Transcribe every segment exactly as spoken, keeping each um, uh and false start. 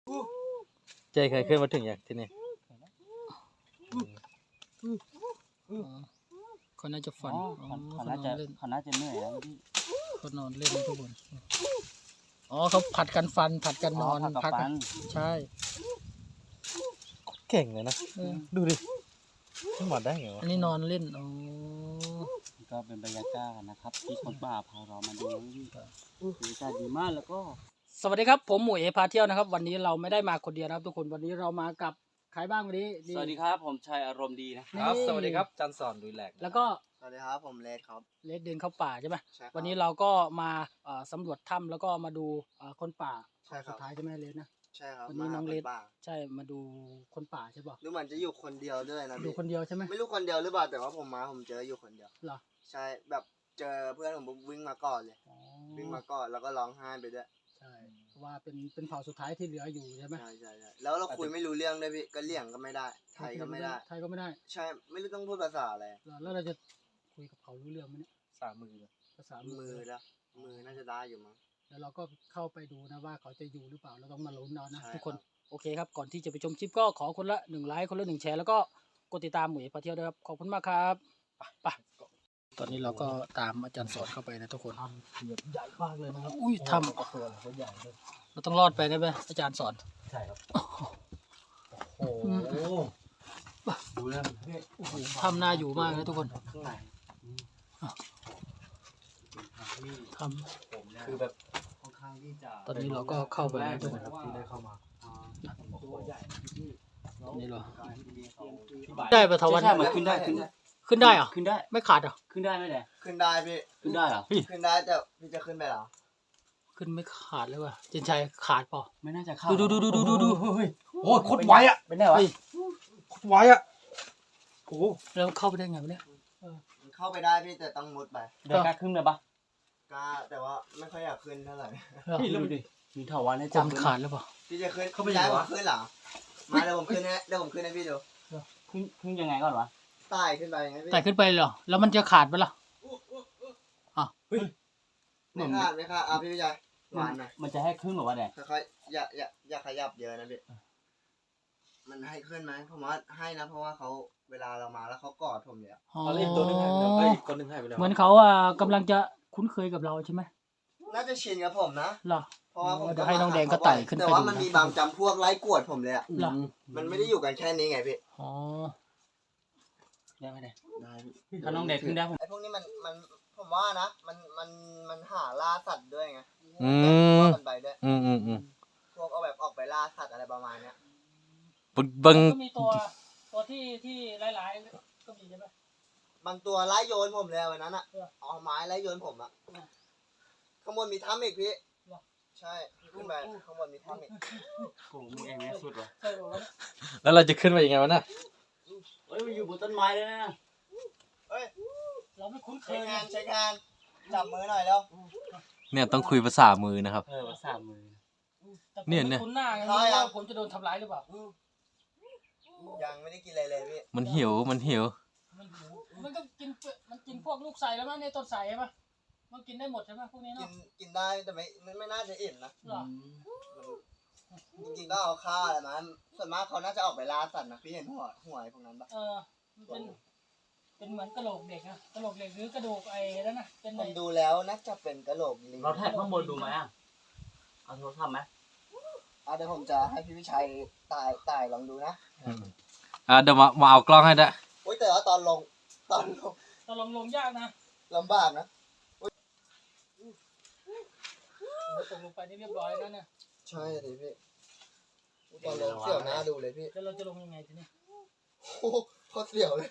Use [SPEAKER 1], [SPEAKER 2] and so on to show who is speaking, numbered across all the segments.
[SPEAKER 1] ใจเคยขึ้นมาถึงอย่างที่นี่เขาน่าจะฝันเขาน่าจะเขาน่าจะเหนื่อยแล้วพี่เขานอนเล่นทุกคนอ๋อเขาผัดกันฟันผัดกันนอนพักกันใช่เก่งเลยนะดูดิขึ้นมาได้ไงวะอันนี้นอนเล่นอ๋อก็เป็นบรรยากาศนะครับที่คนป่าพาเรามาดูบรรยากาศดีมากแล้วก็สวัสดีครับผมหมวยเอพาเที่ยวนะครับวันนี้เราไม่ได้มาคนเดียวนะครับทุกคนวันนี้เรามากับใครบ้างวันนี้
[SPEAKER 2] สวัสดีครับผมชัยอารมณ์ดีนะครับ
[SPEAKER 1] สวัสดีครับจันสอนดุยแหลกแล้วก็
[SPEAKER 3] สวัสดีครับผมเลดครับ
[SPEAKER 1] เลดเดินเข้าป่าใช่ไหมวันนี้เราก็มาสำรวจถ้ำแล้วก็มาดูคนป่าสุดท้ายใช่ไหมเลดนะ
[SPEAKER 3] ใช่ครับ
[SPEAKER 1] วันนี้น้องเลดใช่มาดูคนป่าใช่ป่ะ
[SPEAKER 3] ดูเหมือนจะอยู่คนเดียวด้วยนะ
[SPEAKER 1] ดูคนเดียวใช่ไหม
[SPEAKER 3] ไม่รู้คนเดียวหรือเปล่าแต่ว่าผมมาผมเจออยู่คนเดียว
[SPEAKER 1] เหรอ
[SPEAKER 3] ใช่แบบเจอเพื่อนผมวิ่งมาก่อนเลยวิ่งมาก่อนแล้วก็ร้องไห้ไปด้วย
[SPEAKER 1] ใช่ว่าเป็นเป็นเผ่าสุดท้ายที่เหลืออยู่ใช่ไหม
[SPEAKER 3] ใช่ใช่ใช่แล้วเราคุยไม่รู้เรื่องด้วยพี่ก็เลี่ยงก็ไม่ได้ไทยก็ไม่ได้
[SPEAKER 1] ไทยก็ไม่ได้
[SPEAKER 3] ใช่ไม่รู้ต้องพูดภาษาอะไร
[SPEAKER 1] แล้วเราจะคุยกับเขารู้เรื่องไหมเนี่ย
[SPEAKER 3] ภาษามือ
[SPEAKER 1] ภาษา
[SPEAKER 3] มือแล้วมือน่าจะได้อยู่มั้ง
[SPEAKER 1] แล้วเราก็เข้าไปดูนะว่าเขาจะอยู่หรือเปล่าเราต้องมาลุ้นเอานะทุกคนโอเคครับก่อนที่จะไปชมคลิปก็ขอคนละหนึ่งไลค์คนละหนึ่งแชร์แล้วก็กดติดตามหมวยพาเที่ยวด้วยครับขอบคุณมากครับไปตอนนี้เราก็ตามอาจารย์สอนเข้าไปนะทุกคน
[SPEAKER 3] ทำเกือบใหญ่มากเลยนะครับ
[SPEAKER 1] อุ้ยทำ
[SPEAKER 3] ตัวเขาใหญ่เลย
[SPEAKER 1] เราต้องรอดไปนะเว้ยอาจารย์สอน
[SPEAKER 3] ใช่ครับโอ้โหดูนะ
[SPEAKER 1] โอ้โหทำน่าอยู่มากนะทุกคน
[SPEAKER 3] ข้างใน
[SPEAKER 1] ทำ
[SPEAKER 3] คือแบบค่อนข้างที่จะ
[SPEAKER 1] ตอนนี้เราก็เข้าไปแล้วทุกคน
[SPEAKER 3] ที่ได้เข้ามาตัวใหญ่ที่
[SPEAKER 1] นี่เหรอได้ปะทวัน
[SPEAKER 2] ขึ้นได้ขึ้นได้
[SPEAKER 1] ขึ้นได้เหรอ
[SPEAKER 2] ขึ้นได้
[SPEAKER 1] ไม่ขาดเหรอ
[SPEAKER 2] ขึ้นได้ไหมเนี่ย
[SPEAKER 3] ขึ้นได้พี่
[SPEAKER 2] ขึ้นได้เหรอ
[SPEAKER 3] ขึ้นได้แต่พี่จะขึ้นไปเหรอ
[SPEAKER 1] ขึ้นไม่ขาดเลยว่ะเจนชัยขาดเปล่า
[SPEAKER 2] ไม่น่าจะขาด
[SPEAKER 1] ดูดูดูดูดูดู
[SPEAKER 3] โอ้ยโคตรไวอ่ะ
[SPEAKER 2] เป็นไงวะ
[SPEAKER 3] โคตรไวอ่ะโอ้
[SPEAKER 1] แล้วเข้าไปได้ไงวะเนี่ย
[SPEAKER 3] เข้าไปได้พี่แต่ต้องมุดไป
[SPEAKER 2] เดี๋ยวกล้าขึ้นเลยปะ
[SPEAKER 3] กล้าแต่ว่าไม่ค่อยอยากขึ้นเท่าไหร่
[SPEAKER 2] พี่ดูดิมีเถาวัลย์ให้
[SPEAKER 1] จับขาดหรือเปล่า
[SPEAKER 3] พี่จะขึ้นเข้าไปได้ผมขึ้นเหรอมาเดี๋ยวผมขึ้นให้เดี๋ยวผมขึ้นให้พี่ดู
[SPEAKER 2] ขึ้นขึ้นยังไงก่อนวะ
[SPEAKER 3] ไต่ขึ้นไปยังไงพี่
[SPEAKER 1] ไต่ขึ้นไปเหรอแล้วมันจะขาดไหมล่ะ
[SPEAKER 3] อ่ะเฮ้ยไม่ขาดไม่ขาดอ่ะพี่พี่ชายหวานหน่อย
[SPEAKER 2] มันจะให้ขึ้นหรือว่าเนี่ย
[SPEAKER 3] ค่อยๆอย่าอย่าอย่าขยับเยอะนะพี่มันให้ขึ้นไหมผมว่าให้นะเพราะว่าเขาเวลาเรามาแล้วเขากอดผมเนี่ย
[SPEAKER 1] เขาเล่นตัวนึงให้ไปแล้วไอ้คนนึงให้ไปแล้วเหมือนเขาอ่ะกำลังจะคุ้นเคยกับเราใช่ไหม
[SPEAKER 3] น่าจะชินกับผมนะ
[SPEAKER 1] หรอ
[SPEAKER 3] เพราะว่าผม
[SPEAKER 1] จะให้น้องแดงก็ไต่ขึ้นไป
[SPEAKER 3] แต่ว่ามันมีบางจำพวกไล่กวดผมเลยอ่ะ
[SPEAKER 1] หรอ
[SPEAKER 3] มันไม่ได้อยู่กันแค่นี้ไงพี่
[SPEAKER 1] อ๋อ
[SPEAKER 2] ได้ไหมเนี่ย
[SPEAKER 3] ได้
[SPEAKER 2] ถ้าน้องแดงขึ้นได้
[SPEAKER 3] ไอ้พวกนี้มันมันผมว่านะมันมันมันหาล่าสัตว์ด้วยไง
[SPEAKER 1] อืม
[SPEAKER 3] มันไปด้วย
[SPEAKER 1] อืมอืมอืม
[SPEAKER 3] พวกเอาแบบออกไปล่าสัตว์อะไรประมาณเนี้ย
[SPEAKER 1] บางก็มีตัวตัวที่ที่หลายๆก็มีใช่ไหม
[SPEAKER 3] บางตัวไล่โยนผมเลยวันนั้นอ่ะเอาไม้ไล่โยนผมอ่ะข้างบนมีถ้ำอีกพี่ใช่ขึ้นไปข้างบนมีถ้ำอีก
[SPEAKER 2] โอ้มึงเองเนี่ยสุดว่ะ
[SPEAKER 1] แล้วเราจะขึ้นไปยังไงวะน่ะ
[SPEAKER 2] เฮ้ยมันอยู่บนต้นไม้เลยนะ
[SPEAKER 3] เฮ้ย
[SPEAKER 1] เราไม่คุ้นเคย
[SPEAKER 3] ใช้งานใช้งานจับมือหน่อยแล้ว
[SPEAKER 1] เนี่ยต้องคุยภาษามือนะครับ
[SPEAKER 2] เออภาษามือ
[SPEAKER 1] เนี่ยเนี่ย
[SPEAKER 3] คุ้นหน้าไงว่าผมจะโดนทำร้ายหรือเปล่ายังไม่ได้กินอะไรเลยพี่
[SPEAKER 1] มันหิวมันหิว
[SPEAKER 4] มันหิวมันก็กินมันกินพวกลูกไส่แล้วมั้งในต้นไส่ใช่ปะมันกินได้หมดใช่ไหมพวกนี้เนาะ
[SPEAKER 3] กินกินได้แต่ไม่ไม่น่าจะอิ่มนะจริงๆก็เอาข้าวอะไรมาส่วนมากเขาน่าจะออกไปล่าสัตว์นะพี่เห็นหัวหัวพวกนั้นปะ
[SPEAKER 4] เออเป็นเป็นเหมือนกระโหลกเด็กนะกระโหลกเด็กหรือกระดูกไอ้แล้วนะเป็น
[SPEAKER 3] ผมดูแล้วน่าจะเป็นกระโหลกลิง
[SPEAKER 2] เราแท็กข้างบนดูไหมอ่ะเอาโทรศัพท์ไหม
[SPEAKER 3] อ่ะเดี๋ยวผมจะให้พี่วิชัยตายตายลองดูนะ
[SPEAKER 1] อ่าเดี๋ยวมามาเอากล้องให้ได้
[SPEAKER 3] โอ้ยแต่ว่าตอนลงตอนลง
[SPEAKER 4] ตอนลงลงยากนะ
[SPEAKER 3] ลำบากนะ
[SPEAKER 4] ตกลงไปนี่เรียบร้อยแล้วเนี่ย
[SPEAKER 3] ใช่เลยพี่ตอนลงเสี่ยวหน้าดูเลยพี่
[SPEAKER 4] แล้วเราจะลงยังไงทีนี้
[SPEAKER 3] โอ้โคตรเสี่ยวเลย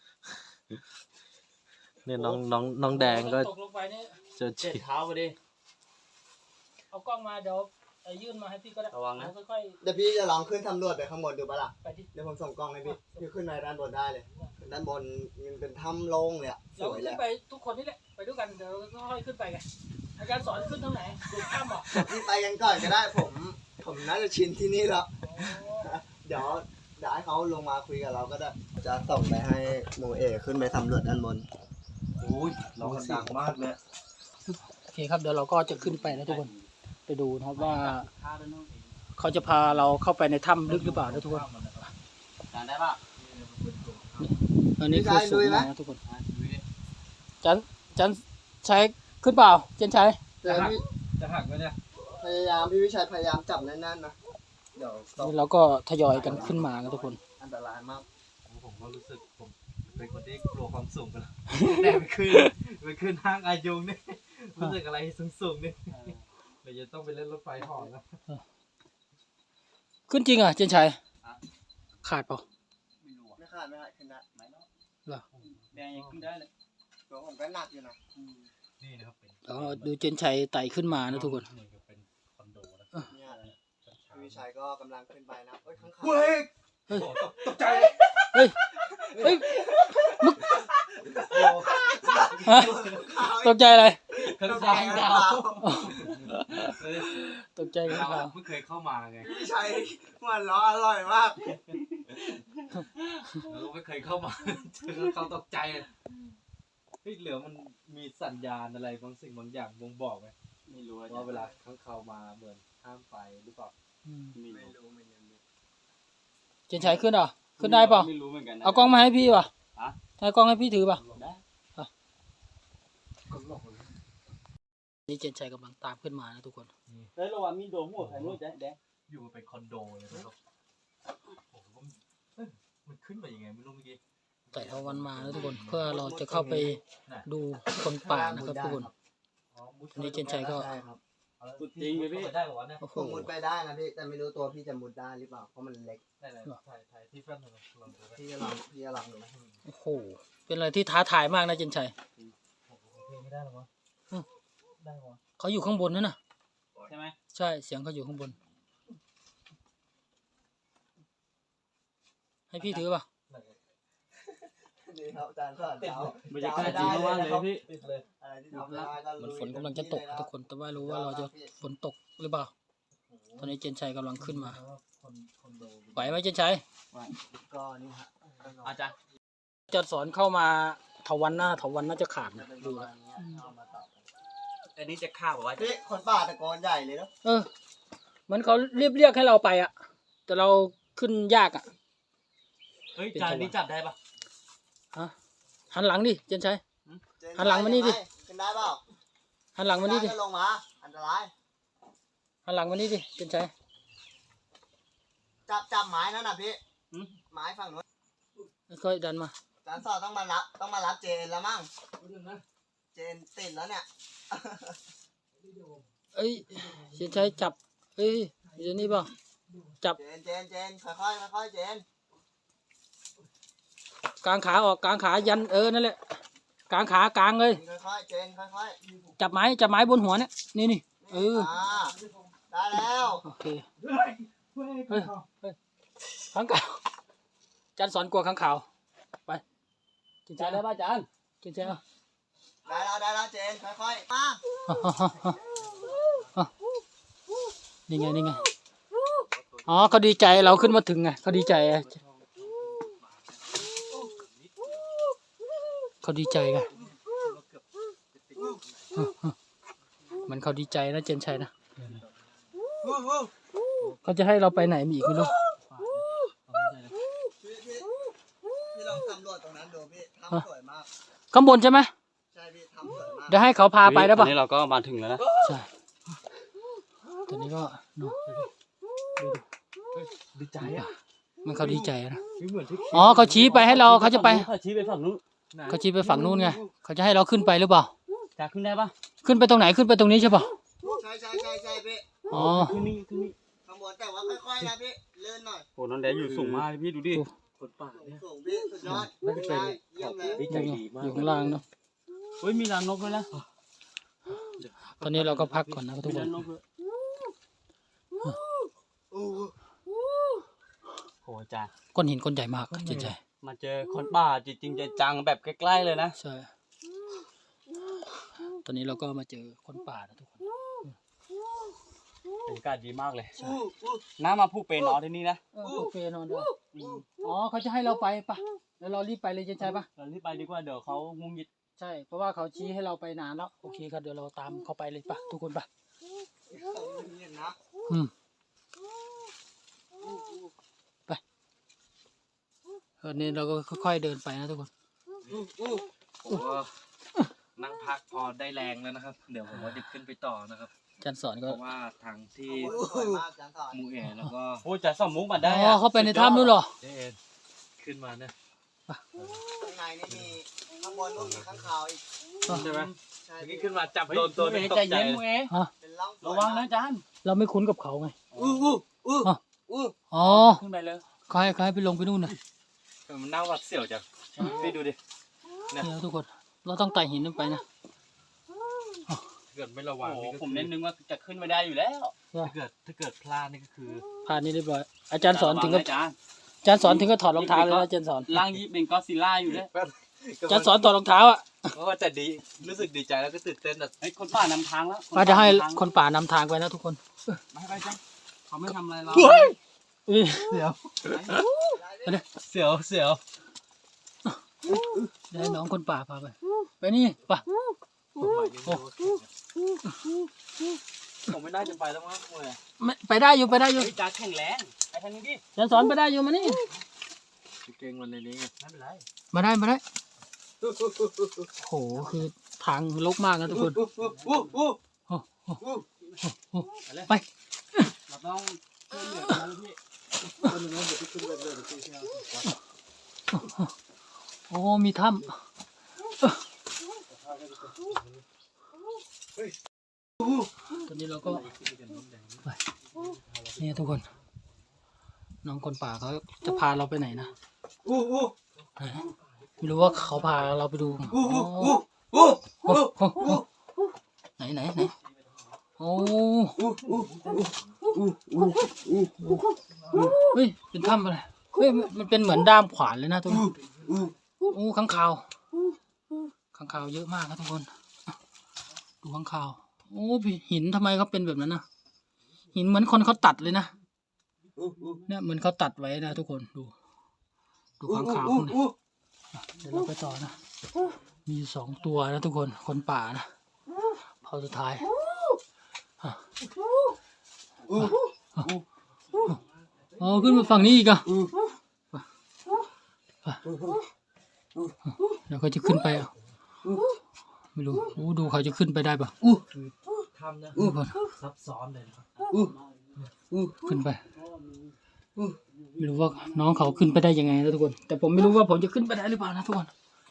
[SPEAKER 1] เนี่ยน้องน้องน้องแดงก็
[SPEAKER 4] ตกลงไปนี่
[SPEAKER 1] เจอ
[SPEAKER 2] เจ็บเท้าไปดิ
[SPEAKER 4] เอากล้องมาเดี๋ยวยื่นมาให้พี่ก็ได้
[SPEAKER 2] ระวังนะ
[SPEAKER 4] ค่อย
[SPEAKER 3] ๆเดี๋ยวพี่จะลองขึ้นสำรวจไปข้างบนดูปะล่ะเดี๋ยวผมส่งกล้องให้พี่พี่ขึ้นไปด้านบนได้เลยด้านบนมันเป็นถ้ำโล่งเลยอะ
[SPEAKER 4] สวยเลยเราขึ้นไปทุกคนนี่แหละไปด้วยกันเดี๋ยวค่อยขึ้นไปกันอาจารย์สอนขึ้นทางไหนดูถ้ำอ่ะ
[SPEAKER 3] พี่ไปกันก่อนก็ได้ผมผมน่าจะชินที่นี่แล้วเดี๋ยวเดี๋ยวให้เขาลงมาคุยกับเราก็ได้จะส่งไปให้โมเอขึ้นไปสำรวจด้านบน
[SPEAKER 2] โอ้ยเราดังมากเลย
[SPEAKER 1] โอเคครับเดี๋ยวเราก็จะขึ้นไปนะทุกคนไปดูนะครับว่า
[SPEAKER 4] เขาจะพาเราเข้าไปในถ้ำลึกหรือเปล่านะทุกคน
[SPEAKER 2] จานได้ป่ะ
[SPEAKER 4] อันนี้คือสูงมากนะทุกคน
[SPEAKER 2] อ่ะดูดิ
[SPEAKER 4] จันจันใช้ขึ้นเปล่าเจนใช้
[SPEAKER 3] จะหัก
[SPEAKER 1] จะหักไหมเนี่ย
[SPEAKER 3] พยายามพี่วิชัยพยายามจับแน่นๆนะเดี๋ยวตก
[SPEAKER 4] นี่เราก็ทยอยกันขึ้นมานะทุกคน
[SPEAKER 3] อันตรายมาก
[SPEAKER 1] ผมก็รู้สึกผมเป็นคนที่กลัวความสูงกันแล้วแต่ไปขึ้นไปขึ้นห้างอายุงนี่รู้สึกอะไรสูงๆนี่เดี๋ยวจะต้องไปเล่นรถไฟเหอแล้ว
[SPEAKER 4] ขึ้นจริงอ่ะเจนชัยขาดเปล่า
[SPEAKER 2] ไม่รู้อ่ะ
[SPEAKER 3] ไม่ขาดไม่ขาดขึ้นได้
[SPEAKER 2] ไม่เนาะ
[SPEAKER 4] เหรอ
[SPEAKER 2] แดงยังขึ้นได้เลย
[SPEAKER 3] ตัวผมก็หนักอยู่นะ
[SPEAKER 1] นี่นะครับเป็น
[SPEAKER 4] แล้วก็ดูเจนชัยไต่ขึ้นมานะทุกคน
[SPEAKER 1] เหมือนกับเป็นคอนโดนะ
[SPEAKER 3] เนี่ยพี่วิชัยก็กำลังขึ้นไปนะเอ้ยข้างขา
[SPEAKER 1] เฮ้ย
[SPEAKER 4] เฮ้ย
[SPEAKER 1] ตกใจ
[SPEAKER 4] เฮ้ยเฮ้ยฮะตกใจอะไร
[SPEAKER 1] ข้าง
[SPEAKER 3] ตก
[SPEAKER 1] ทา
[SPEAKER 3] ใจ
[SPEAKER 1] ง
[SPEAKER 3] ข้าง
[SPEAKER 1] ดาว
[SPEAKER 3] ขาว
[SPEAKER 4] ตกใจกัน
[SPEAKER 1] เรา
[SPEAKER 4] ครับ
[SPEAKER 1] เพิ่งเคยเข้ามาไง
[SPEAKER 3] พี่วิชัยมันล้ออร่อยมาก
[SPEAKER 1] เราไม่เคยเข้ามาเจอเขาตกใจเลยเฮ้ยเหลือมันมีสัญญาณอะไรบางสิ่งบางอย่างบ่งบอกไหม
[SPEAKER 2] ไม่รู้อ่ะ
[SPEAKER 1] ว่าเวลาข้างเขามาเหมือนห้ามไปหรือเปล่า
[SPEAKER 4] อืม
[SPEAKER 2] ไม่
[SPEAKER 3] ไม่
[SPEAKER 2] รู้
[SPEAKER 3] รู้เหมือนกัน
[SPEAKER 4] เจนชัยขึ้นเหรอขึ้นได้เปล่า
[SPEAKER 2] ไม่รู้เหมือนกันนะ
[SPEAKER 4] เอากล้องมาให้พี่ป่ะ
[SPEAKER 2] ฮะ
[SPEAKER 4] ให้กล้องให้พี่ถือป่ะ
[SPEAKER 2] ได้
[SPEAKER 4] นี่เจนชัยกำลังตามขึ้นมานะทุกคน
[SPEAKER 2] เฮ้ยระวังมีโดนหัวใครไม่รู้แดงแดง
[SPEAKER 1] อยู่เป็นคอนโดเลยนะครับโอ้โหเอ้ยมันขึ้นไปยังไงไม่รู้เมื่อกี้
[SPEAKER 4] แต่ละวันมานะทุกคนเพื่อเราจะเข้าไปดูคนป่านะครับทุกคน
[SPEAKER 1] อ๋อมุด
[SPEAKER 4] อันนี้เจนชัยก็
[SPEAKER 3] ใช่ครับ
[SPEAKER 1] สุดจริงเลยพี่ได้เหรอวะเนี่ย
[SPEAKER 4] โอ้โห
[SPEAKER 3] ผมมุดไปได้นะพี่แต่ไม่รู้ตัวพี่จะมุดได้หรือเปล่าเพราะมันเล็ก
[SPEAKER 1] ได้เลยถ่ายถ่ายที่แฟนเราลองดูไหม
[SPEAKER 3] พี่จะลองพี่จะลองดู
[SPEAKER 4] โอ้โหเป็นอะไรที่ท้าทายมากนะเจนชัย
[SPEAKER 1] โอ้โหเพลงไม่ได้หรอวะได้หรอ
[SPEAKER 4] เขาอยู่ข้างบนนั่นน่ะ
[SPEAKER 2] ใช่ไหม
[SPEAKER 4] ใช่เสียงเขาอยู่ข้างบน ให้พี่ถือป่ะ
[SPEAKER 3] ดีครับอาจารย์สอนเรา
[SPEAKER 2] บรรยากาศดีมากๆเลยพี่
[SPEAKER 1] ติดเลย
[SPEAKER 3] อะไรที่ทำได้ก็
[SPEAKER 4] เหมือน
[SPEAKER 3] ลุย
[SPEAKER 4] ฝนกำลังจะตกนะทุกคนแต่ว่ารู้ว่าเราจะฝนตกหรือเปล่าตอนนี้เจนชัยกำลังขึ้นมา
[SPEAKER 1] คนคอนโด
[SPEAKER 4] ไหวไหมเจนชัย
[SPEAKER 3] ก็นี่ฮะ
[SPEAKER 2] อาจารย์
[SPEAKER 4] จะสอนเข้ามาเถาวันหน้าเถาวันน่าจะขาดนะ
[SPEAKER 3] เป็นป
[SPEAKER 4] ดู
[SPEAKER 3] ระ
[SPEAKER 4] แล้
[SPEAKER 3] มาว ณนี้เอามาต่อกัน
[SPEAKER 2] อันนี้จะฆ่าบอกว่า
[SPEAKER 3] พี่คนป่าตะโกนใหญ่เลยเนาะ
[SPEAKER 4] เออเหมือนเขาเรียบเรียกให้เราไปอ่ะ แต่เราขึ้นยากอ่ะ
[SPEAKER 2] เฮ้ยจานนี้จับได้ปะ
[SPEAKER 4] ฮะหันหลังดิเจนชัย
[SPEAKER 3] เจน
[SPEAKER 4] หันหลังมานี่ดิ
[SPEAKER 3] ขึ้นได้เปล่า
[SPEAKER 4] หันหลังมานี่ดิ
[SPEAKER 3] ได้ก็ลงมาอันตราย
[SPEAKER 4] หันหลังมานี่ดิเจนชัย
[SPEAKER 3] จับจับไม้นั่นน่ะพี่ไม้ฝั่งนู้น
[SPEAKER 4] ค่อยๆดันมา
[SPEAKER 3] อาจารย์สอนต้องมารับต้องมารับเจนแล้วมั้งเจนติดแล้วเนี่ย
[SPEAKER 4] เอ้ยเจนชัยจับเอ้ยเดี๋ยวนี้เปล่าจับ
[SPEAKER 3] เจนเจนเจนค่อยค่อยๆค่อยๆเจน
[SPEAKER 4] กางขาออกกางขายันเออนั่นแหละกางขากางเลย
[SPEAKER 3] ค่อยค่อยๆเจนค่อยค่อย
[SPEAKER 4] จับไม้จับไม้บนหัวเนี่ยนี่นี่
[SPEAKER 3] ๆ
[SPEAKER 4] เออ
[SPEAKER 3] อ่าได้แล้ว
[SPEAKER 4] โอเคเฮ้ยเฮ้ยข้างขาวจันสอนกลัวข้างขาวไปเจนชั
[SPEAKER 2] จาย นได้ป่ะจาน
[SPEAKER 4] เจนชัยเอา
[SPEAKER 3] ได้แล้วได้แล้วเจนค่อยค่อยๆมา
[SPEAKER 4] นี่ไงนี่ไงอ๋อเขาดีใจเราขึ้นมาถึงไงเขาดีใจไงเขาดีใจไงมันเขาดีใจนะเจนชัยนะเขาจะให้เราไปไหนมีอีกไม่รู้
[SPEAKER 3] พี่พี่พี่ลองสำรวจตรงนั้นดูพี่ทำสวยมาก
[SPEAKER 4] ข้างบนใช่ไหม
[SPEAKER 3] ใช่พี่ทำสวยมาก
[SPEAKER 4] เดี๋ยวให้เขาพาไปได้
[SPEAKER 2] ต
[SPEAKER 4] ปะ
[SPEAKER 2] อนนี้เราก็มาถึงแล้วนะ
[SPEAKER 4] ใช่ตอนนี้ก็เนอะดูดิ
[SPEAKER 2] ดีใจอ่ะ
[SPEAKER 4] มันเขาดีใจนะ
[SPEAKER 2] เหมือนที่
[SPEAKER 4] อ๋อเขาชี้ไปให้เราเขาจะไป
[SPEAKER 2] เขาชี้ไปฝั่งนู้น
[SPEAKER 4] เขาชี้ไปฝั่งนู้นไงเขาจะให้เราขึ้นไปหรือเปล่า
[SPEAKER 2] จานขึ้นได้ปะ
[SPEAKER 4] ขึ้นไปตรงไหนขึ้นไปตรงนี้ใช่ปะ
[SPEAKER 3] ใช่ใช่ใช่ใช่พี่
[SPEAKER 4] อ๋อ
[SPEAKER 2] ขึ้นนี่ขึ้นนี่
[SPEAKER 3] ข้างบนแต่ว่าค่อยๆนะพี่เลื่อนหน่อย
[SPEAKER 2] โอ้น้องแดงอยู่สูงมากเลยพี่ดูดิคนป่าเนี่ย
[SPEAKER 3] สูงพี่สุดยอด
[SPEAKER 2] น่าจะเป็น
[SPEAKER 3] ได้เยี่ยมเลย
[SPEAKER 2] ใจดีมาก
[SPEAKER 4] อยู่ข้างล่างเนาะ
[SPEAKER 2] เฮ้ยมีรังนกด้วยนะ
[SPEAKER 4] ตอนนี้เราก็พักก่อนนะครับทุก
[SPEAKER 2] มี
[SPEAKER 4] ค
[SPEAKER 2] รั
[SPEAKER 4] น
[SPEAKER 2] งนกด้วย
[SPEAKER 3] อู้
[SPEAKER 2] โอ้จาน
[SPEAKER 4] ก้อนหินก้อนใหญ่มากเจนชัย
[SPEAKER 2] มาเจอคนป่าจริงๆจังๆแบบใกล้ๆเลยนะ
[SPEAKER 4] ใช่ตอนนี้เราก็มาเจอคนป่านะทุกคน
[SPEAKER 2] บรรยากาศดีมากเลย
[SPEAKER 3] อู้อู้
[SPEAKER 2] น้ามาผู้เป็นนอนที่นี่นะ
[SPEAKER 4] เออโอเคนอนด้วยอ๋อเขาจะให้เราไปปะแล้วเรารีบไปเลยเจนชัยปะ
[SPEAKER 2] เราที่ไปดีกว่าเดี๋ยวเขางุงยิด
[SPEAKER 4] ใช่เพราะว่าเขาชี้ให้เราไปนานแล้วโอเคครับเดี๋ยวเราตามเขาไปเลยปะทุกคนปะ
[SPEAKER 3] เห็นนะ
[SPEAKER 4] อืมตอนนี้เราก็ค่อยๆเดินไปนะทุกคน
[SPEAKER 2] ผมก็นั่งพักพอได้แรงแล้วนะครับ เดี๋ยวผมว่าจะขึ้นไปต่อนะครับ
[SPEAKER 4] อาจารย์สอน
[SPEAKER 2] เพ
[SPEAKER 4] ก็
[SPEAKER 2] ราะว่าทางที่
[SPEAKER 3] สวยมากจังสอน
[SPEAKER 2] มูเอ๋แล้วก็โอ้จะสมมุกมาได้
[SPEAKER 4] อ๋อเข้าไปในถ้ำนู่นเหรอ
[SPEAKER 2] เดนขึ้นมาเนี่ย
[SPEAKER 3] ข้างในนี่มีข้างบนนู่นมีข้างคาวอีก
[SPEAKER 2] ใช่ไหม
[SPEAKER 3] ใช่
[SPEAKER 2] เมื่อกี้ขึ้นมาจับโดนตัวนึงตก
[SPEAKER 1] ใจ
[SPEAKER 2] ใจ
[SPEAKER 1] เย็นมูเอ๋
[SPEAKER 3] เป็นร่อง
[SPEAKER 2] ระวังนะอาจารย์
[SPEAKER 4] เราไม่คุ้นกับเขาไง
[SPEAKER 3] อู้อู้อู้อู้
[SPEAKER 4] อ๋อ
[SPEAKER 1] ขึ้นไปเลย
[SPEAKER 4] เขาให้เขาให้ไปลงไปนู่นนะ
[SPEAKER 2] มันน่าหวัดเสียวจังพี่ดูดิ
[SPEAKER 4] เนี่ยทุกคน เราต้องไต่หินขึ้นไปนะ
[SPEAKER 2] ถ้าเกิดไม่ระวัง
[SPEAKER 1] โอ้โห
[SPEAKER 2] นี่ก็
[SPEAKER 1] ผม
[SPEAKER 2] คือ
[SPEAKER 1] เน้นนึงว่าจะขึ้นไม่ได้อยู่แล้ว
[SPEAKER 2] ถ้าเกิดถ้าเกิดพลาดนี่ก็คือ
[SPEAKER 4] ผ่านนี้เรียบร้อย อาจารย์สอนถึง
[SPEAKER 1] ระ
[SPEAKER 4] ก็
[SPEAKER 1] วัะอาจารย์
[SPEAKER 4] อาจารย์สอนถึงก็ถอดรองเท้าเลยนะอาจารย์สอน
[SPEAKER 1] ล่างยิบเป็นก็อดซิลล่าอยู่เลย
[SPEAKER 4] อาจารย์สอนถอดรองเท้าอ่ะ
[SPEAKER 2] ก็ว่าจะดีรู้สึกดีใจแล้วก็ตื่นเต้นแบบ
[SPEAKER 1] ไอ้ยคนป่านำทางแล้ว
[SPEAKER 4] อาจจะให้
[SPEAKER 1] น
[SPEAKER 4] คนป่านำทางไปนะทุกคน
[SPEAKER 1] ไม่ไปจ้ะเขาไม่ทำอะไรเรา
[SPEAKER 4] เอ้ย
[SPEAKER 2] เสียวเสียวเสียว
[SPEAKER 4] เดี๋ยวให้น้องคนป่าพาไป ไปนี่ป่ะ
[SPEAKER 2] ผมไม่น่าจะไปแล้วมั้งมวย
[SPEAKER 4] ไม่ไปได้อยู่ไปได้อยู่
[SPEAKER 1] เฮ้ยจ้าแข็งแรงไปทางนี้ดิ
[SPEAKER 4] อาจารย์สอนไปได้อยู่มานี่
[SPEAKER 2] เก่งวันในนี้ไง
[SPEAKER 1] ไม่เป็นไร
[SPEAKER 4] มาได้มาได้โหคือทางลกมากนะทุกคน
[SPEAKER 3] อู้อู้อู้
[SPEAKER 4] ไป
[SPEAKER 1] เราต้องช่วยเหลือกันนะพี่
[SPEAKER 4] โอ้มีถ้ำตอนนี้เราก็ไปนี่ทุกคน น้องคนป่าเขาจะพาเราไปไหนนะ
[SPEAKER 3] อู้อู้
[SPEAKER 4] ไม่รู้ว่าเขาพาเราไปดู
[SPEAKER 3] อู้
[SPEAKER 4] อ๋อ
[SPEAKER 3] อู้อู้
[SPEAKER 4] โอ้โหโอ้โหไหนไหนไหนโอ้
[SPEAKER 3] อู้อู้อู้อู้อู้
[SPEAKER 4] เฮ้ยเป็นถ้ำอะไรเฮ้ยมันมันเป็นเหมือนด้ามขวานเลยนะทุกคน
[SPEAKER 3] อู้
[SPEAKER 4] โอ้ข้างคาวข้างคาวเยอะมากนะทุกคนดูข้างคาวโอ้พี่หินทำไมเขาเป็นแบบนั้นนะหินเหมือนคนเขาตัดเลยนะ
[SPEAKER 3] อู้อู้
[SPEAKER 4] เนี่ยเหมือนเขาตัดไว้นะทุกคนดู ดูข้างคาวพวกนี้เดี๋ยวเราไปต่อนะมีสองตัวนะทุกคนคนป่านะเผาสุดท้ายอ๋อขึ้นมาฝั่งนี้อีกอ่ะเดี๋ยวเขาจะขึ้นไปอ่ะไม่รู้โอ้ดูเขาจะขึ้นไปได้ปะ
[SPEAKER 2] ทำนะ
[SPEAKER 4] ทุกคน
[SPEAKER 2] ซับซ้อนเลยนะครับ
[SPEAKER 4] ขึ้นไปไม่รู้ว่าน้องเขาขึ้นไปได้ยังไงนะทุกคน แต่ผมไม่รู้ว่าผมจะขึ้นไปได้หรือเปล่านะทุกคน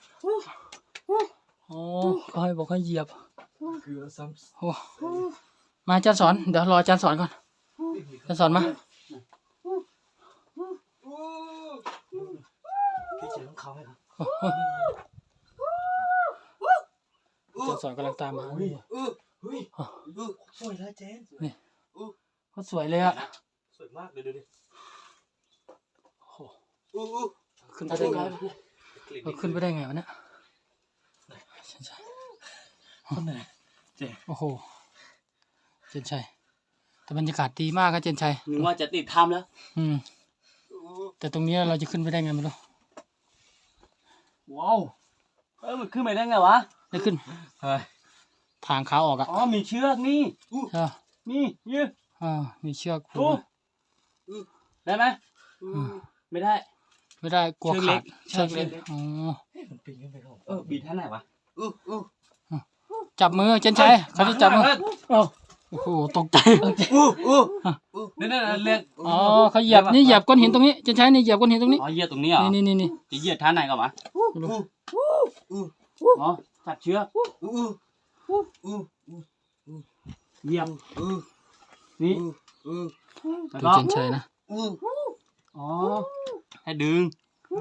[SPEAKER 4] อ๋อเขาให้บอกให้เหยียบ
[SPEAKER 2] เกลือซ้
[SPEAKER 4] โอ้มาอาจารย์สอนเดี๋ยวรออาจารย์สอนก่อนอาจารย์สอนมา
[SPEAKER 2] ำพี่เจอของเขาไหมครับ
[SPEAKER 4] อาจารย์สอนกำลังตามมา
[SPEAKER 2] เฮ้ยเฮ้ยสวยนะเจน
[SPEAKER 4] เขาสวยเลยอ่ะ
[SPEAKER 2] สวยมากเลยดูดิ
[SPEAKER 4] โอ้โห
[SPEAKER 3] อู้อู้
[SPEAKER 4] ขึ้นไปได้ไงเราขึ้นไปได้ไงวะเนี่ยใช่ใช่
[SPEAKER 2] คนไหน
[SPEAKER 4] โอ้โหเจนชัยแต่บรรยากาศดีมากครับเจนชัย
[SPEAKER 1] นึกว่าจะติดถ้ำแล้ว
[SPEAKER 4] อืมแต่ตรงนี้เราจะขึ้นไปได้ไงไม่รู้
[SPEAKER 1] ว้าวเออมันขึ้นไปได้ไงวะ
[SPEAKER 4] ได้ขึ้น
[SPEAKER 2] เฮ้ย
[SPEAKER 4] ทางขาออกอ่ะ
[SPEAKER 1] อ๋อมีเชือกนี่
[SPEAKER 4] ใช่ปะ
[SPEAKER 1] นี่ยืด
[SPEAKER 4] อ่ามีเชือกผู
[SPEAKER 1] โอ้
[SPEAKER 4] ก
[SPEAKER 1] ได้ไหมไม่ได้
[SPEAKER 4] ไม่ได้กลัว
[SPEAKER 1] เชือกเล็
[SPEAKER 4] ขาด
[SPEAKER 1] ก
[SPEAKER 4] เชือกเล็ก
[SPEAKER 1] เชือกเล็ก
[SPEAKER 4] อ๋อ
[SPEAKER 2] มันปีนขึ้นไปครับ
[SPEAKER 1] เออบีบท่าไหนวะ
[SPEAKER 3] อู้อู้
[SPEAKER 4] จับมือเจนชัยเขาจะจับมือ
[SPEAKER 1] เฮ้ย
[SPEAKER 4] โอ้โอ้โหตกใจ
[SPEAKER 3] อู้อู้
[SPEAKER 1] นั่นนั่นเรียก
[SPEAKER 4] อ๋อเขาเหยียบนี่เหยียบก้อนหินตรงนี้เจนชัยนี่เหยียบก้อนหินตรงนี้
[SPEAKER 1] อ๋อเหยียดตรงนี้เหรอ
[SPEAKER 4] นี่นี่นี่นี่
[SPEAKER 1] จะเหยียดท่าไหนก่อนวะ
[SPEAKER 4] ไม่รู้
[SPEAKER 1] อ๋อตัดเชือก
[SPEAKER 3] อู้อู้อู้
[SPEAKER 1] เหยียบ
[SPEAKER 3] อู้
[SPEAKER 1] นี่
[SPEAKER 3] อู้
[SPEAKER 1] แล้ว
[SPEAKER 4] ดู
[SPEAKER 1] ก็
[SPEAKER 4] เจนชัยนะ
[SPEAKER 3] อู้
[SPEAKER 1] อ๋อให้ดึง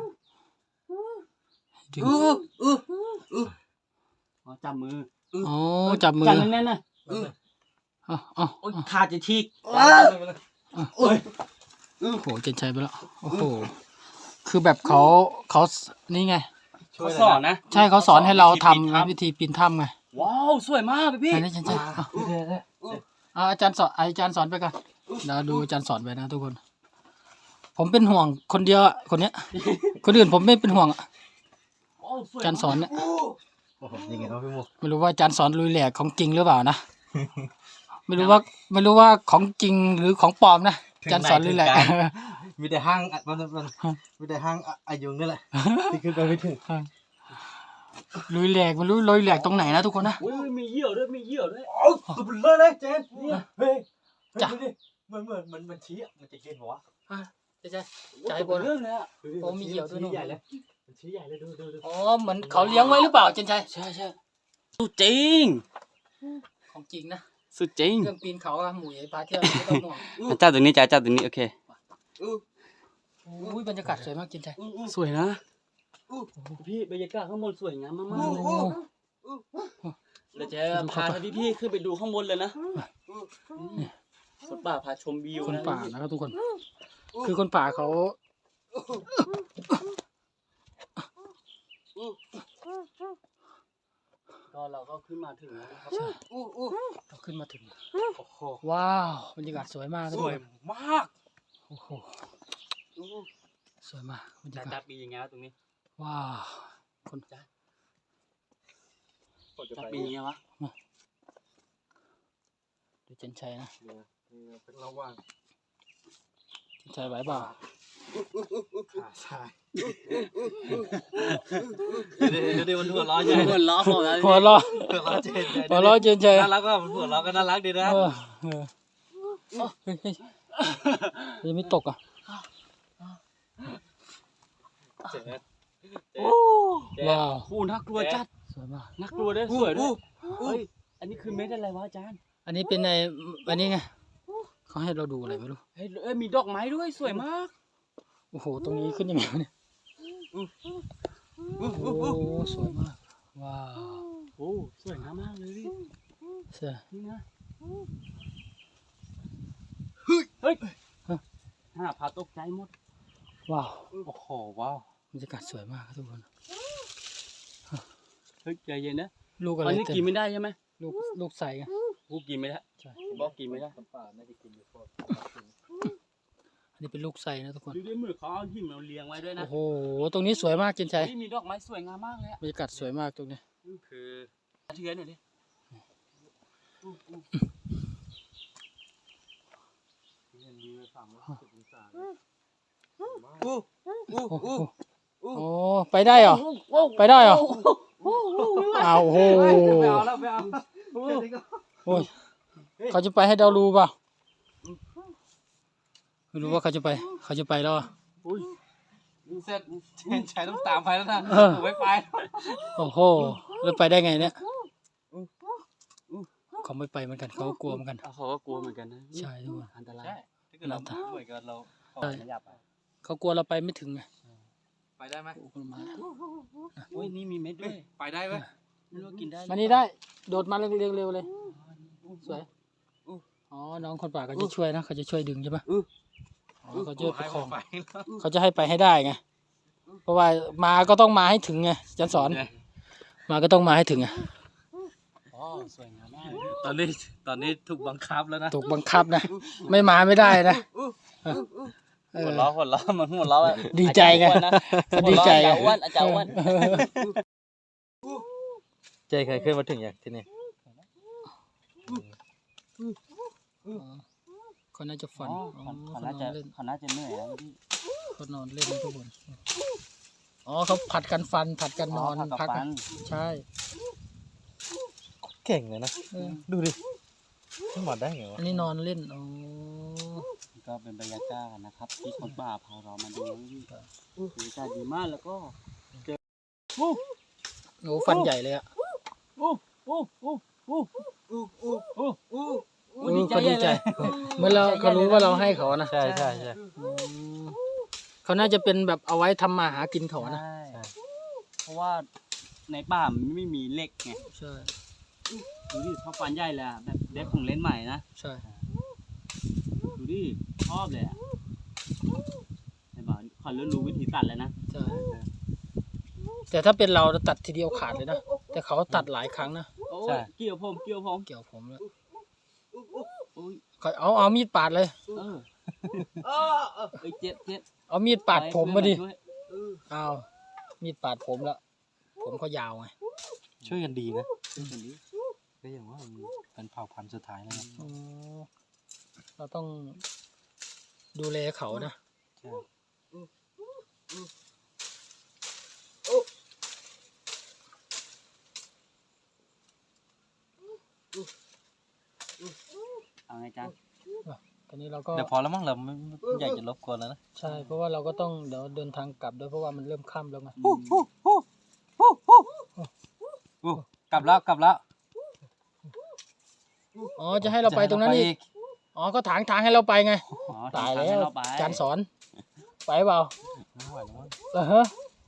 [SPEAKER 4] ดึง
[SPEAKER 3] อู้อู้อู้
[SPEAKER 1] อ๋อจับมือ
[SPEAKER 4] อ๋อจับมือ
[SPEAKER 1] จับแน่นๆนะ
[SPEAKER 4] อ๋ออ๋อ
[SPEAKER 1] โอ้ยขาดจะฉีก
[SPEAKER 3] อ้า
[SPEAKER 1] โอ้ย
[SPEAKER 4] โอ้โหเจนชัยไปแล้วโอ้โหคือแบบเขาเขานี่ไง
[SPEAKER 1] เขาสอนนะ
[SPEAKER 4] ใช่เขาสอนให้เราทำ
[SPEAKER 1] วิธีปีน
[SPEAKER 4] นะ
[SPEAKER 1] ถ้ำ
[SPEAKER 4] วิธีปีนถ้ำไง
[SPEAKER 1] ว้าวสวยมากพี่
[SPEAKER 4] ไหนนี่เจนชัยอ่ะอ่ะอาจารย์สอนอาจารย์สอนไปก่อนเราดูอาจารย์สอนไปนะทุกคน ผมเป็นห่วงคนเดียวอ่ะคนเนี้ย คนอื่นผมไม่เป็นห่วงอ่ะ
[SPEAKER 1] ว้าวสวย
[SPEAKER 4] อาจารย์สอนเนี่ย
[SPEAKER 2] ยังไงครับพี่โม
[SPEAKER 4] ไม่รู้ว่าอาจารย์สอนลุยแหลกของจริงหรือเปล่านะ ไม่รู้ว่าไม่รู้ว่าของจริงหรือของปลอมนะอาจารย์สอนลุยแหลก
[SPEAKER 2] มีแต่ห้างอ่ะมันมันมีแต่ห้างอ่ะอายุงนี่แหละที่ขึ้นไปไม่ถึง
[SPEAKER 4] ลุยแหลกมันรู้ลุยแหลกตรงไหนนะทุกคนนะ
[SPEAKER 1] อุ้ยมีเหี่ยวด้วยมีเหี่ยวด้วย
[SPEAKER 2] โอ้ตัวเบลอเลยเจนเนี่ยเฮ้ย
[SPEAKER 4] จ้ะ
[SPEAKER 2] ดูดิมันเหมือนมันมันชี้อ่ะมันจะกินหัว
[SPEAKER 4] ใช่ใช่ใจบน
[SPEAKER 1] เรื่องเลยอ่ะ
[SPEAKER 2] ดูดิ
[SPEAKER 4] โอ้มีเหี่ยวด้วย
[SPEAKER 2] ชี้ใหญ่เลยมันชี้ใหญ่เลยดูดูดู
[SPEAKER 4] อ๋อเหมือนเขาเลี้ยงไว้หรือเปล่าเจนชัย
[SPEAKER 1] ใช่ใช่สุดจริง
[SPEAKER 4] ของจริงนะ
[SPEAKER 1] สุดจริง
[SPEAKER 4] เรื่องปีนเขาอะหมูใหญ่พาเที่ยวไม่ต้องห่วง
[SPEAKER 1] เจ้าตัวนี้จ้าเจ้าตัวนี้โอเค
[SPEAKER 4] อุ้ยบรรยากาศสวยมากเจนชัย
[SPEAKER 1] สวยนะพี่บรรยากาศข้างบนสวยงามมากๆเลย เราจะพาพี่พี่ๆขึ้นไปดูข้างบนเลยนะคนป่าพาชมวิว
[SPEAKER 4] คน
[SPEAKER 1] นะ
[SPEAKER 4] ป่านะครับทุกคน คือคนป่าเขา
[SPEAKER 1] ก็เราก็ขึ้นมาถึงแล้วนะครับ
[SPEAKER 4] เราขึ้นมาถึง
[SPEAKER 1] โอ้โห
[SPEAKER 4] ว้าวบรรยากาศสวยมากทุก
[SPEAKER 1] ส
[SPEAKER 4] ค
[SPEAKER 1] วย
[SPEAKER 4] น
[SPEAKER 1] มาก
[SPEAKER 4] โอ้โหสวยมากบรร
[SPEAKER 1] จ้าย
[SPEAKER 4] ากา
[SPEAKER 1] จั
[SPEAKER 4] ศ
[SPEAKER 1] บปียังไงวะตรงนี้
[SPEAKER 4] ว้าวคน
[SPEAKER 1] จับปียังไงวะ
[SPEAKER 4] ดูเจนชัยนะ
[SPEAKER 2] เป็นระหว่าง
[SPEAKER 4] เจนชัยไหวเปล่า
[SPEAKER 2] ขาชายเดี๋ยวเดี๋ยวเดี๋ยวมันหัวเร้อนใหญ่
[SPEAKER 1] หัวล้อของเรา
[SPEAKER 4] หัวเราะ
[SPEAKER 2] หัวเร้อนเจน
[SPEAKER 4] หัวเราะเจนชัย
[SPEAKER 2] น่ารักก็มันหัวเร้อนก็น่ารักดีนะ
[SPEAKER 4] เออเออเฮ้ยเฮ้ยยังไม่ตกอ่ะ
[SPEAKER 2] เจ๊
[SPEAKER 4] ว้าว
[SPEAKER 1] โอ้น่ากลัวจัด
[SPEAKER 4] สวยมาก
[SPEAKER 1] น่ากลัวด้วยสวยด้วยเฮ้ยอันนี้คือเม็ดอะไรวะอาจารย์
[SPEAKER 4] อันนี้เป็นในอันนี้ไงเขาให้เราดูอะไรไม่รู้
[SPEAKER 1] เฮ้ยเอ้ยมีดอกไม้ด้วยสวยมาก
[SPEAKER 4] โอ้โหตรงนี้ขึ้นยังไงวะเนี่ยโอ้สวยมากว้าว
[SPEAKER 1] โอ้สวยงามมากเลยพี่
[SPEAKER 4] เสื้อ
[SPEAKER 1] นี่นะเฮ้ยเฮ้ยฮ่าพาตกใจหมด
[SPEAKER 4] ว้าว
[SPEAKER 2] โอ้โหว้าว
[SPEAKER 4] บรรยากาศสวยมากครับทุกคน
[SPEAKER 1] เฮ้ยใจเย็นนะ
[SPEAKER 4] ลูกอะไร
[SPEAKER 1] อันนี้
[SPEAKER 4] เต็
[SPEAKER 1] กิน
[SPEAKER 4] ม
[SPEAKER 1] ไม่ได้ใช่ไหม
[SPEAKER 4] ลูกลูกใส่ไง
[SPEAKER 1] กูกินไม่ได้
[SPEAKER 4] ใช่
[SPEAKER 1] บอกกินไม่ได้
[SPEAKER 2] ป่าน่าจะกินอยู่พวก
[SPEAKER 4] อันนี้เป็นลูกใส่นะทุกคน
[SPEAKER 1] ดูด้วยมือเขาเอาหินมาเรียงไว้ด้วยนะ
[SPEAKER 4] โอ้โหตรงนี้สวยมากเจนชัย
[SPEAKER 1] นี่มีดอกไม้สวยงามมากเลยอะ
[SPEAKER 4] บรรยากาศสวยมากตรงนี้
[SPEAKER 1] คือเทือนหน่อยดิ
[SPEAKER 2] เห็นดีไปฝั่งละสิบองศา
[SPEAKER 4] โอ้โหโอ้ไปได้เหรอไปได้เหรออ้าวโอ้โห
[SPEAKER 2] ไม่เอาแล้วไม่เอา
[SPEAKER 4] โอ้ยเขาจะไปให้เรารู้เปล่าไม่รู้ว่าเขาจะไปเขาจะไปแล้วอะ
[SPEAKER 1] อุ้ย
[SPEAKER 2] เสร็จเจนชัยต้องตามไปแล้วนะ
[SPEAKER 4] เออ
[SPEAKER 2] ผมไม่ไป
[SPEAKER 4] โอ้โหแล้วไปได้ไงเนี่ยเขาไม่ไปเหมือนกันเขาก็กลัวเหมือนกัน
[SPEAKER 1] เขาก็กลัวเหมือนกันนะ
[SPEAKER 4] ใช่ทุกคน
[SPEAKER 1] อันตราย
[SPEAKER 2] ใช่ถ้าเกิดเราเหมือนกันเราขอไม่อยากไป
[SPEAKER 4] เขากลัวเราไปไม่ถึงไง
[SPEAKER 2] ไปได้ไหม
[SPEAKER 4] โอ้โหมา
[SPEAKER 1] อุ้ยนี่มีเม็ดด้วย
[SPEAKER 2] ไปได้ไหม
[SPEAKER 1] ไม่รู้ว่ากินได้หรือ
[SPEAKER 4] มา
[SPEAKER 1] เปล่
[SPEAKER 4] นี่ได้โดดมาเร็วๆเร็วเลยสวยอ๋อน้องคนป่าเขาจะช่วยนะเขาจะช่วยดึงใช่ปะอ๋อเขาจะประคอง
[SPEAKER 2] ไป
[SPEAKER 4] เขาจะให้ไปให้ได้ไงเพราะว่ามาก็ต้องมาให้ถึงไงอาจันสอน มาก็ต้องมาให้ถึงไง
[SPEAKER 1] อ๋อสวยงามมาก
[SPEAKER 2] ตอนนี้ตอนนี้ถูกบังคับแล้วนะ
[SPEAKER 4] ถูกบังคับนะไม่มาไม่ได้นะเออ
[SPEAKER 1] หัวล้อหัวล้อมันหัวล้ออะ
[SPEAKER 4] ดีใจไง
[SPEAKER 1] อาจารย์อ้วนนะ
[SPEAKER 4] ดีใจ
[SPEAKER 1] หัวล้ออาจารย์อ้วนอาจารย์อ้วน
[SPEAKER 2] เจเคยขึ้นมาถึงอย่างที่นี่
[SPEAKER 4] เขาน่าจะฝัน
[SPEAKER 1] อ๋อ
[SPEAKER 4] อ๋อ
[SPEAKER 1] เขา
[SPEAKER 4] เขาน
[SPEAKER 1] น่า
[SPEAKER 4] อ
[SPEAKER 1] จะ
[SPEAKER 4] นเล่น
[SPEAKER 1] เขาน่าจะเหนื่อยแล้วพี่
[SPEAKER 4] เขานอนเล่นนะทุกคนอ๋อเขาผัดกันฟันผัดกันนอน
[SPEAKER 1] ผัก
[SPEAKER 4] พัก
[SPEAKER 1] กั
[SPEAKER 4] อะ
[SPEAKER 1] น
[SPEAKER 4] ใช่
[SPEAKER 2] เก่งเลยนะ
[SPEAKER 4] เออ
[SPEAKER 2] ดูดิขึ้นมาได้ไงวะ
[SPEAKER 4] อันนี้นอนเล่นอ๋อ
[SPEAKER 1] ก็เป็นบรรยากาศนะครับ ที่คนป่าพาเรามาดูนี่ก็บรรยากาศดีมากแล้วก็
[SPEAKER 4] โอ้ฟันใหญ่เลยอ่ะ
[SPEAKER 1] โอ้โอ้โอ้โอ้โอ้โอ้โอ้โอ้
[SPEAKER 4] เออเขาดีใจเหมื่อนเราเขารู้ว่าเราให้เขานะ
[SPEAKER 2] ใช่ใช่ใช่
[SPEAKER 4] อืมเขาน่าจะเป็นแบบเอาไว้ทำมาหากินเขานะ
[SPEAKER 1] ใช่เพราะว่าในป่ามันไม่มีเหล็กไง
[SPEAKER 4] ใช่
[SPEAKER 1] ดูดิเขาฟันใหญ่เลยอะแบบเด็กของเล่นใหม่นะ
[SPEAKER 4] ใช่
[SPEAKER 1] ดูดิชอบเลยอ่ะไอ้บ่าวเขาเริ่มรู้วิธีตัดแล้วนะ
[SPEAKER 4] ใช่แต่ถ้าเป็นเราเราตัดทีเดียวขาดเลยนะแต่เขาตัดหลายครั้งนะ
[SPEAKER 1] โอ้ยเกี่ยวผมเกี่ยวผม
[SPEAKER 4] เกี่ยวผมแล้ว
[SPEAKER 1] โอ้ย
[SPEAKER 4] เขาเอาเอามีดปาดเลย
[SPEAKER 1] เออเอ้ยเจ็บเจ็บ
[SPEAKER 4] เอามีดปาดผมมาดิ
[SPEAKER 1] ช่วย
[SPEAKER 4] เอามีดปาดผมแล้ว ผมเขายาวไง
[SPEAKER 2] ช่วยกันดีนะ
[SPEAKER 1] ช่วยกันดิ
[SPEAKER 2] ก็อย่างว่ามันเป็นเผ่าพันธุ์สุดท้ายแล้วนะ
[SPEAKER 4] อ๋อเราต้องดูแลเขานะ
[SPEAKER 2] ใช่
[SPEAKER 1] เอาไงจาน
[SPEAKER 4] ตอนนี้เราก็
[SPEAKER 1] เดี๋ยวพอแล้วมั้งเราไม่ไม่อยากจะรบกวนแล้วนะ
[SPEAKER 4] ใช่เพราะว่าเราก็ต้องเดี๋ยวเดินทางกลับด้วยเพราะว่ามันเริ่มค่ำแล้วไง
[SPEAKER 1] อู้กลับแล้วกลับแล้ว
[SPEAKER 4] อ๋อจะให้เราไปตรงนั้นอีกอ๋อก็ถางทางให้เราไปไง
[SPEAKER 1] อ๋อ
[SPEAKER 4] ตาย
[SPEAKER 1] ทง
[SPEAKER 4] แล้ว
[SPEAKER 1] ให้เรไป
[SPEAKER 4] จานสอนไปเปล่า
[SPEAKER 1] ไม่ไหวแล้วมั้ง
[SPEAKER 4] เออฮะ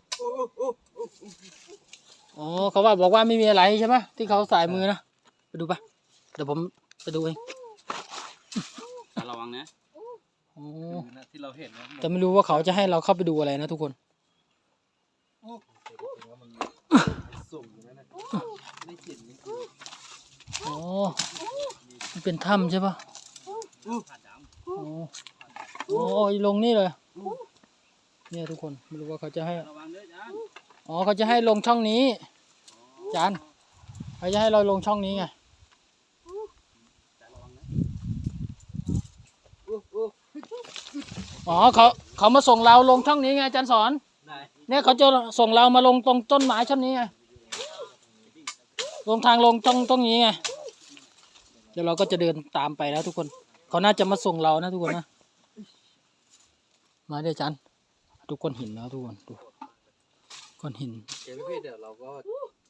[SPEAKER 4] อ๋อเขาว่าบอกว่าไม่มีอะไรใช่ไหมที่เขาสายมือนะไปดูปะเดี๋ยวผมไปดูเอง
[SPEAKER 1] ระวังนะ
[SPEAKER 4] อ๋อ
[SPEAKER 1] ที่เราเห็นนะ
[SPEAKER 4] แต่ไม่รู้ว่าเขาจะให้เราเข้าไปดูอะไรนะทุกคน
[SPEAKER 2] สุ่มอยู่นั่นนะไม่กลิ่นไม่กลิ่น
[SPEAKER 4] อ๋อมันเป็นถ้ำใช่ปะอ๋ออ๋อลงนี่เลย เนี่ยทุกคนไม่รู้ว่าเขาจะให้
[SPEAKER 1] ระวังด้วยจาน
[SPEAKER 4] อ๋อเขาจะให้ลงช่องนี้จานเขาจะให้เราลงช่องนี้ไงอ๋อเขาเขามาส่งเราลงช่องนี้ไงอาจารย์สอน
[SPEAKER 2] ได้
[SPEAKER 4] เนี่ยเขาจะส่งเรามาลงตรงต้นไม้ช่องนี้ไงลงทางลงตรงตรงนี้ไงเดี๋ยวเราก็จะเดินตามไปแล้วทุกคนเขาน่าจะมาส่งเรานะทุกคนนะมาเดี๋ยวอาจารย์ทุกคนเห็นแล้วทุกคนดูก้อนหิน
[SPEAKER 2] เดี๋ยวพี่เดี๋ยวเราก็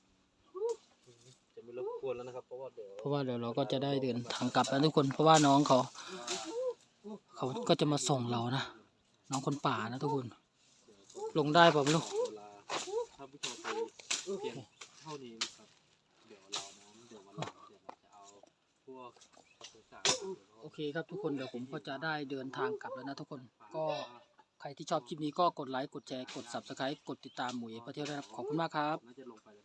[SPEAKER 2] จะไม่รบกวนแล้วนะครับเพราะว่าเดี๋ยว
[SPEAKER 4] เพราะว่าเดี๋ยวเราก็จะได้เดินทางกลับแล้วทุกคนเพราะว่าน้องเขา เขาก็จะมาส่งเรานะน้องคนป่านะทุกคน ลงได้เปล่าไม่รู้
[SPEAKER 2] เวลาถ้าผู้ชมไปเพียงเท่านี้นะครับเดี๋ยวเรานั้นเดี๋ยววันหลังเดี๋ยวเราจะเอาพวกต่าง
[SPEAKER 4] โอเคครับทุกคนเดี๋ยวผมก็จะได้เดินทางกลับแล้วนะทุกคนก็ใครที่ชอบคลิปนี้ก็กดไลค์กดแชร์กด ซับสไครบ์ กดติดตามหมวยพระเที่ยวด้วยนะครับขอบคุณมากครับ
[SPEAKER 2] ๆน่าจะลงไป